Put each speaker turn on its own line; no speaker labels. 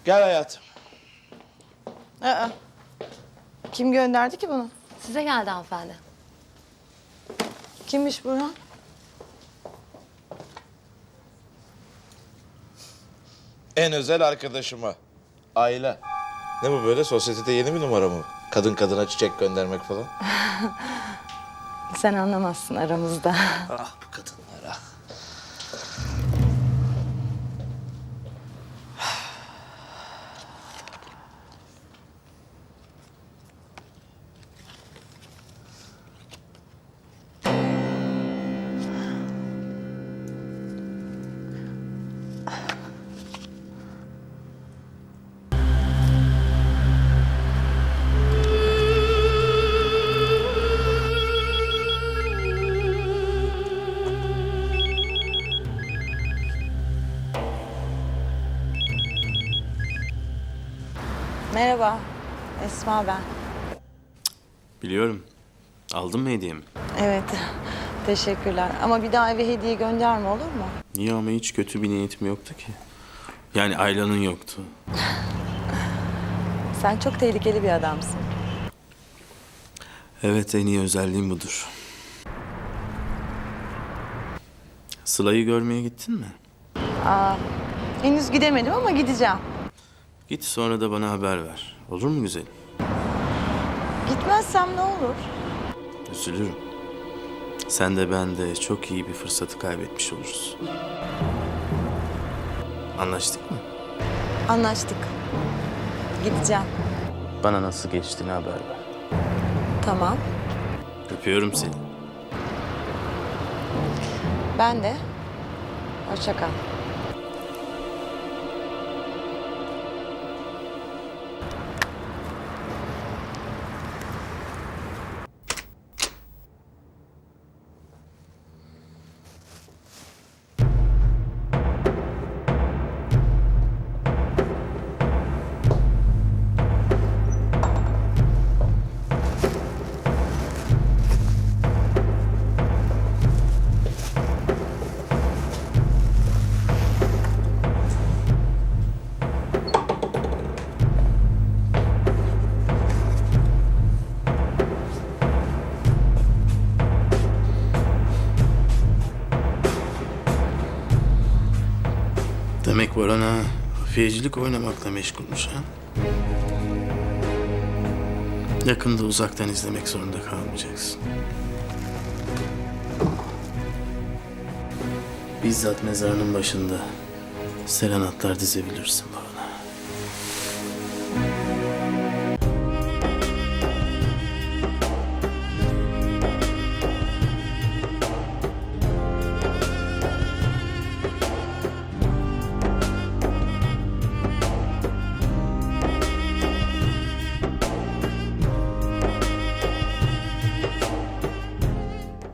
Gel hayatım.
Aa, kim gönderdi ki bunu?
Size geldi hanımefendi.
Kimmiş Burhan?
En özel arkadaşıma. Ayla. Ne bu böyle? Sosyetede yeni bir numara mı? Kadın kadına çiçek göndermek falan.
Sen anlamazsın aramızda.
Ah bu kadınlar ah.
Merhaba, Esma ben.
Biliyorum. Aldın mı hediyemi?
Evet, teşekkürler. Ama bir daha eve hediye gönderme olur mu?
Niye ama hiç kötü bir niyetim yoktu ki. Yani Ayla'nın yoktu.
Sen çok tehlikeli bir adamsın.
Evet, en iyi özelliğim budur. Sıla'yı görmeye gittin mi?
Henüz gidemedim ama gideceğim.
Git sonra da bana haber ver. Olur mu güzelim?
Gitmezsem ne olur?
Üzülürüm. Sen de ben de çok iyi bir fırsatı kaybetmiş oluruz. Anlaştık mı?
Anlaştık. Gideceğim.
Bana nasıl geçtiğini haber ver.
Tamam.
Öpüyorum seni.
Ben de. Hoşça kal.
Demek Boran'a hafiyecilik oynamakla meşgulmüş ha? Yakında uzaktan izlemek zorunda kalmayacaksın. Bizzat mezarının başında serenatlar dizebilirsin Boran'a.